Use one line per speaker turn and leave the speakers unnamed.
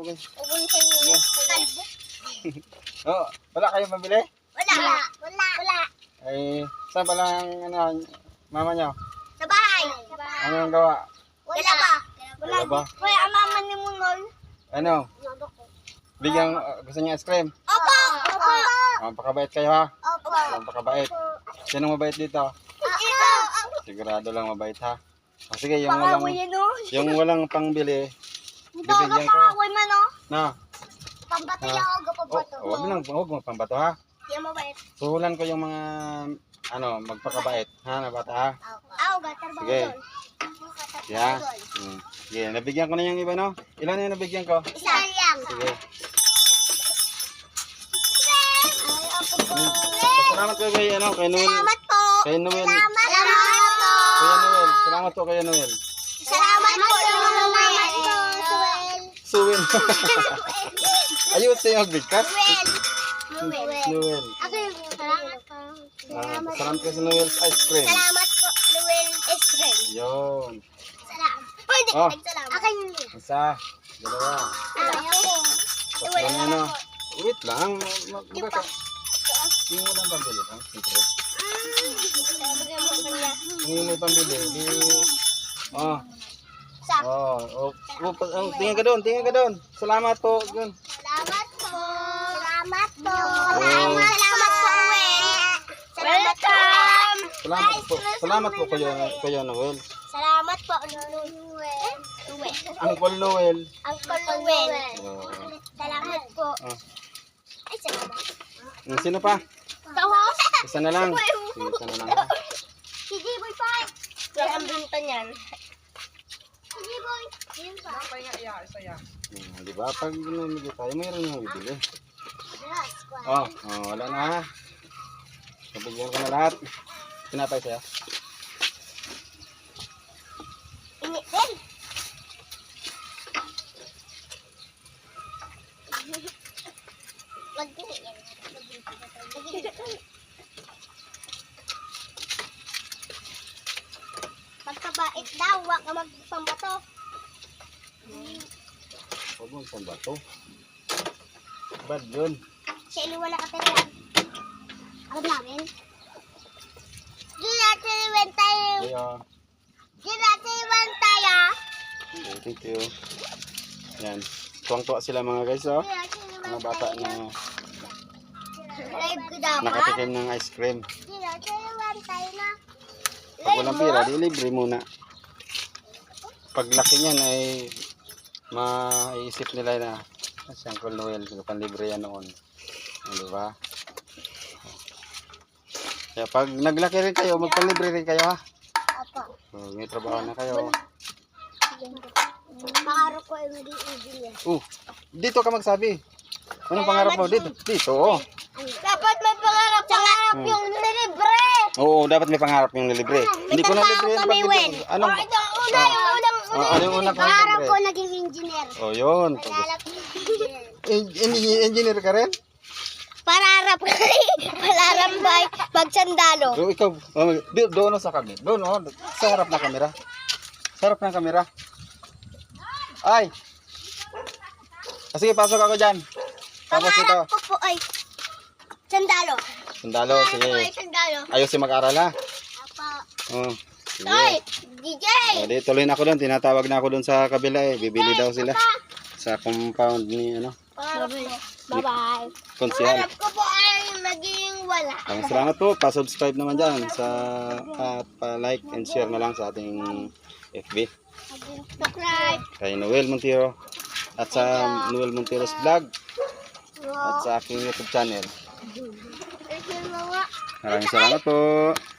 okay.
Ubun sa inyo. Kalbo.
Oh, wala kayong mabili?
Wala.
Ay, saan pala ang mama nyo?
Sa bahay.
Ano ang gawa?
Wala ba?
Wala ba?
Kaya ang mama ni Munol.
Ano? Bigyan, gusto niya ice cream?
Opo.
Pakabait kayo ha?
Opo.
Pakabait. Sinong mabait dito?
Ito.
Sigurado lang mabait ha? O sige,
Yung
yung walang pangbili,
Ito
bibigyan ko.
pakakoy man o.
Na?
Pambato
Ah.
niya ako gapabato.
Huwag mo pambato ha?
Di mo ba?
Suhulan ko yung mga, magpakabait. Ha, na bata ha?
Aw, gatar ba
Sige.
doon?
Yeah. Sige, nabigyan ko na yung iba no? Ilan na yung nabigyan ko?
Isa lang.
Sige.
Ay,
Salamat ko kay, kay Noel.
salamat po.
Kay Noel.
Salamat po.
Kuya Noel. Salamat po kay Noel.
Salamat po. Salamat po.
Suwin. Ayun sa'yo magbigkas. Noel.
Ako yung salamat po.
Salamat ko sa Noel's ice cream.
Salamat po, Noel Estrel.
Yun.
Salamat. Pwede,
Oh.
salamat. Akin yun.
Isa. Dalawa.
Ayaw ko.
Tatlo na ano. Wait lang. Magkaka. Yung walang pambili. Secret. Yung may pambili. Oh. Tingin ka doon. Salamat po. Yun.
Salamat po. Salamat po. Salamat po, Noel. Welcome.
Salamat po Kuya Noel.
Salamat po, Noel.
Uncle Noel.
Uncle Noel.
Oh.
Salamat po.
Oh.
Ay, salamat.
Sino pa?
Tahos?
Isa na lang. Isa na lang.
Sige, boy, pa. Wala ang binta niyan. Sige, boy. Yun pa.
Di ba? Pag namili tayo, mayroon yung bibili.
Yes,
Wala na ha. Nabigyan ko na lahat. Pinapay sa'yo.
Init din. Wag din yan. Pagkabait daw, wag ka magpambato.
Huwag mong pambato. Bad yun.
Siya wala ka tayo. Alam namin. Di natin iwan tayo.
Kaya,
Di natin iwan tayo.
thank you. Yan. Tuwang-tuwa sila mga guys, oh.
Di natin iwan
Mga bata
tayo.
na
Live ko dapat.
nakatikim ng ice cream.
Di natin iwan tayo na.
Pag walang pira, di libre muna. Paglaki niyan ay maiisip nila na si Uncle Noel, panlibre yan noon. Di ba? Kaya pag naglaki rin kayo, magpanlibre rin kayo ha.
Opo.
So, may trabaho na kayo.
Pangarap ko ay maging engineer.
Dito ka magsabi. Anong pangarap mo? Dito. Oh.
Dapat may pangarap. Pangarap yung nilibre.
Oo, dapat may pangarap yung nilibre. Hindi ko na libre yan.
kami, Wen.
Anong?
Ito, yung
Ano yung una kong
pangarap ko
libre?
naging engineer.
Oh, yun.
Pangarap ko
Engineer ka rin?
Pangarap ko. Pangarap ba magsandalo?
So, ikaw, doon sa kami. Doon, sa harap ng kamera. Sa harap ng kamera. Ay! Sige, pasok ako dyan. Tapos ito.
Pangarap ko po ay sandalo.
Sandalo,
Pangarap ko ay
sige.
sandalo.
Ayos si mag-aral ha.
Apa.
Sige.
Ay, DJ.
Di, tuloy na ako doon. Tinatawag na ako doon sa kabila eh. Bibili daw sila. Sa compound ni,
Pangarap ko. Bye-bye.
konsihal.
Pangarap ko po ay maging wala.
Maraming salamat po. Pa-subscribe naman dyan sa, at pa-like and share na lang sa ating FB.
Subscribe.
Kay Noel Montero. At sa Noel Montero's vlog. At sa aking YouTube channel. Maraming salamat po.